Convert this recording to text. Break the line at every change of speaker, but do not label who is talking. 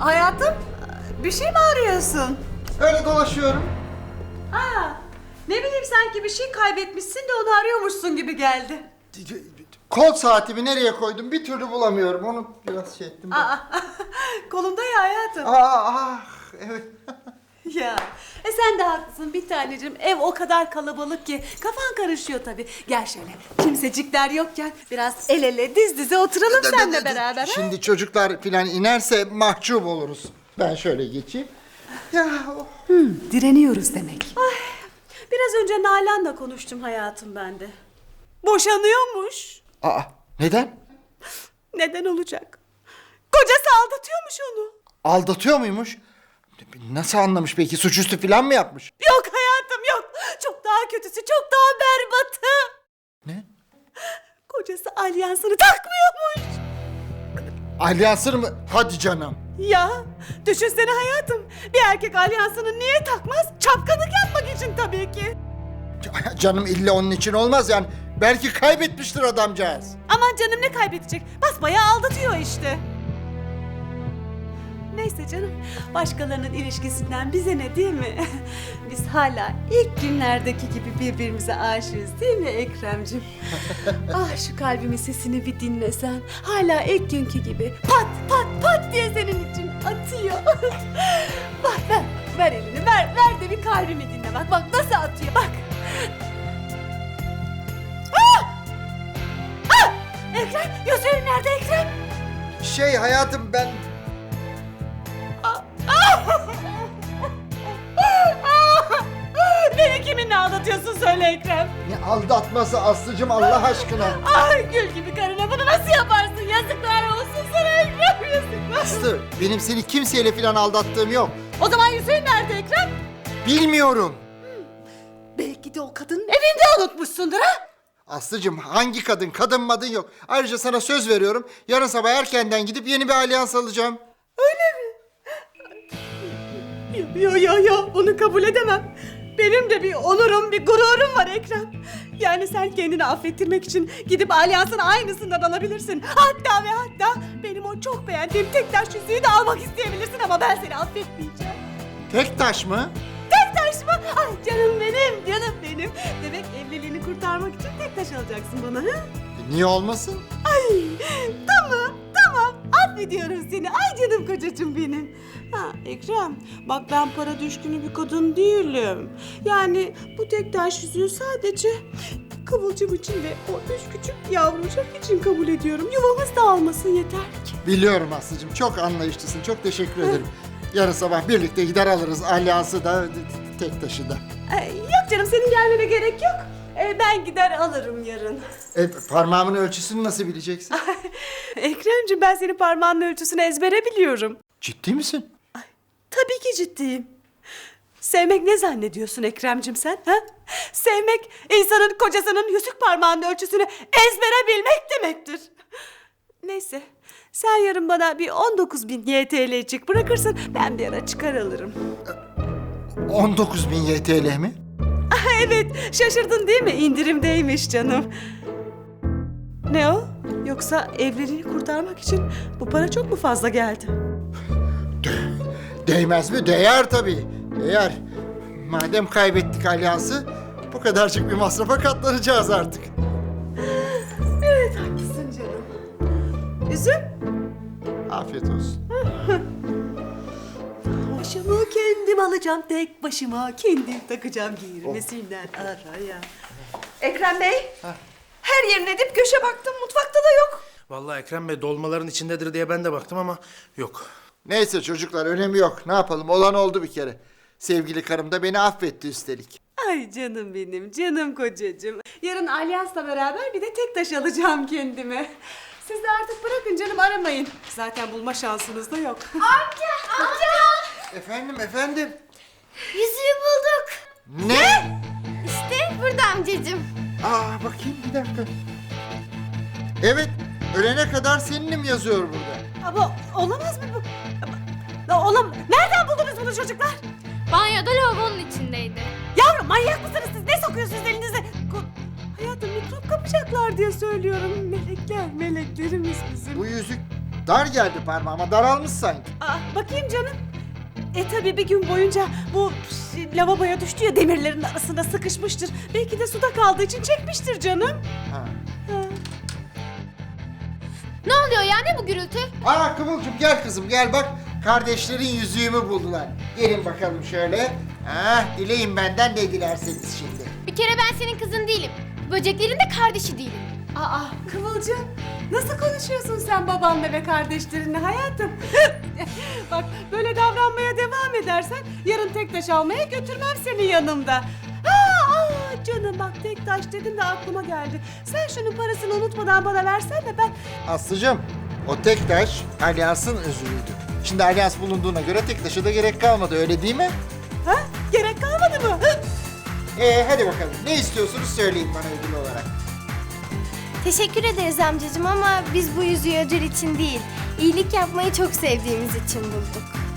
Hayatım, bir şey mi arıyorsun?
Öyle dolaşıyorum.
Ne bileyim, sanki bir şey kaybetmişsin de onu arıyormuşsun gibi geldi.
Kol saatimi nereye koydum bir türlü bulamıyorum. Onu biraz şey ettim.
Kolumda ya hayatım.
Evet.
Ya, sen de haklısın bir tanecim. Ev o kadar kalabalık ki kafan karışıyor tabii. Gel şöyle, kimsecikler yokken biraz el ele diz dize oturalım seninle beraber. Ha?
Şimdi çocuklar filan inerse mahcup oluruz. Ben şöyle geçeyim. Ya
Direniyoruz demek. Biraz önce Nalan'la konuştum hayatım ben de. Boşanıyormuş.
Neden?
Neden olacak? Kocası aldatıyormuş onu.
Aldatıyor muymuş? Nasıl anlamış peki? Suçüstü filan mı yapmış?
Yok hayatım yok. Çok daha kötüsü, çok daha berbatı.
Ne?
Kocası alyansını takmıyormuş.
Alyansını mı? Hadi canım.
Ya düşünsene hayatım. Bir erkek alyansını niye takmaz? Çapkınlık yapmak için tabii ki.
Canım illa onun için olmaz yani. Belki kaybetmiştir adamcağız.
Aman canım, ne kaybedecek? Basbayağı aldatıyor işte. Neyse canım, başkalarının ilişkisinden bize ne, değil mi? Biz hala ilk günlerdeki gibi birbirimize aşığız, değil mi Ekrem'cim? Şu kalbimin sesini bir dinlesen. Hala ilk günkü gibi pat pat pat diye senin için atıyor. Bak ver elini, ver de bir kalbimi dinle, bak nasıl atıyor, bak. Ekrem, gözlerin nerede Ekrem?
Hayatım ben...
Beni kiminle aldatıyorsun söyle Ekrem.
Ne aldatması Aslı'cım Allah aşkına.
Gül gibi karına bunu nasıl yaparsın? Yazıklar olsun sana Ekrem, yazıklar.
Aslı benim seni kimseyle filan aldattığım yok.
O zaman Hüseyin nerede Ekrem?
Bilmiyorum.
Belki de o kadının evinde unutmuşsundur ha?
Aslı'cım hangi kadın? Kadın madın yok. Ayrıca sana söz veriyorum. Yarın sabah erkenden gidip yeni bir alyans alacağım.
Yo, bunu kabul edemem. Benim de bir onurum, bir gururum var Ekrem. Yani sen kendini affettirmek için gidip alyansın aynısından alabilirsin. Hatta ve hatta benim o çok beğendiğim tek taş yüzüğü de almak isteyebilirsin ama ben seni affetmeyeceğim.
Tek taş mı?
Tek taş mı? Ay canım benim. Demek evliliğini kurtarmak için tek taş alacaksın bana, ha?
Niye olmasın?
Ay tamam affediyorum seni. Ay canım kocacığım benim. Ekrem, bak ben para düşkünü bir kadın değilim. Yani bu tek taş yüzüğü sadece Kıvılcım için ve o üç küçük yavrucak için kabul ediyorum. Yuvamız dağılmasın yeter ki.
Biliyorum Aslı'cım çok anlayışlısın. Çok teşekkür ederim. Yarın sabah birlikte gider alırız alyansı da tek taşı da.
Yok canım, senin gelmene gerek yok. Ben gider alırım yarın.
Parmağımın ölçüsünü nasıl bileceksin?
Ekremciğim, ben senin parmağının ölçüsünü ezbere biliyorum.
Ciddi misin?
Tabii ki ciddiyim. Sevmek ne zannediyorsun Ekremciğim sen? Ha? Sevmek insanın kocasının yüzük parmağının ölçüsünü ezbere bilmek demektir. Neyse, sen yarın bana bir 19.000 YTL'cik bırakırsın, ben bir ara çıkar alırım.
19.000 YTL mi?
Evet, şaşırdın değil mi? İndirimdeymiş canım. Ne o? Yoksa evliliğini kurtarmak için bu para çok mu fazla geldi?
Değmez mi? Değer tabii. Değer. Madem kaybettik alyansı, bu kadarcık bir masrafa katlanacağız artık.
Evet, haklısın canım. Üzüm.
Afiyet olsun.
Başımı kendim alacağım, tek başıma kendim takacağım, girmesinler araya. Ekrem Bey, her yerine dip köşe baktım, mutfakta da yok.
Vallahi Ekrem Bey dolmaların içindedir diye ben de baktım ama yok.
Neyse çocuklar önemi yok. Ne yapalım? Olan oldu bir kere. Sevgili karım da beni affetti üstelik.
Ay canım benim, canım kocacığım. Yarın alyansla beraber bir de tek taş alacağım kendime. Siz de artık bırakın canım, aramayın. Zaten bulma şansınız da yok.
Efendim?
Yüzüğü bulduk.
Ne?
İşte burada amcacığım.
Bakayım bir dakika. Evet, ölene kadar seninim yazıyor burada.
Ama olamaz mı bu? Nereden buldunuz bunu çocuklar?
Banyoda lavabonun içindeydi.
Yavrum, manyak mısınız siz? Ne sokuyorsunuz elinize? Hayatım, mikrop kapacaklar diye söylüyorum. Meleklerimiz bizim.
Bu yüzük Dar geldi parmağıma, daralmış sanki.
Bakayım canım. Tabii bir gün boyunca bu lavaboya düştü ya, demirlerin arasında sıkışmıştır. Belki de suda kaldığı için çekmiştir canım.
Ha.
Ne oluyor ya, ne bu gürültü?
Kıvılcım gel kızım gel bak. Kardeşlerin yüzüğümü buldular. Gelin bakalım şöyle. Dileyin benden ne dilerseniz şimdi.
Bir kere ben senin kızın değilim. Böceklerin de kardeşi değilim.
Kıvılcım, nasıl konuşuyorsun sen babanla ve kardeşlerinle hayatım? Bak, böyle davranmaya devam edersen yarın tek taş almaya götürmem seni yanımda. Canım bak, tek taş dedim de aklıma geldi. Sen şunun parasını unutmadan bana versen de ben...
Aslıcığım, o tek taş Alyas'ın özürüydü. Şimdi Alyas bulunduğuna göre tek taşa da gerek kalmadı, öyle değil mi?
Gerek kalmadı mı?
Hadi bakalım, ne istiyorsunuz söyleyin bana ödül olarak.
Teşekkür ederiz amcacığım ama biz bu yüzüğü ödül için değil, iyilik yapmayı çok sevdiğimiz için bulduk.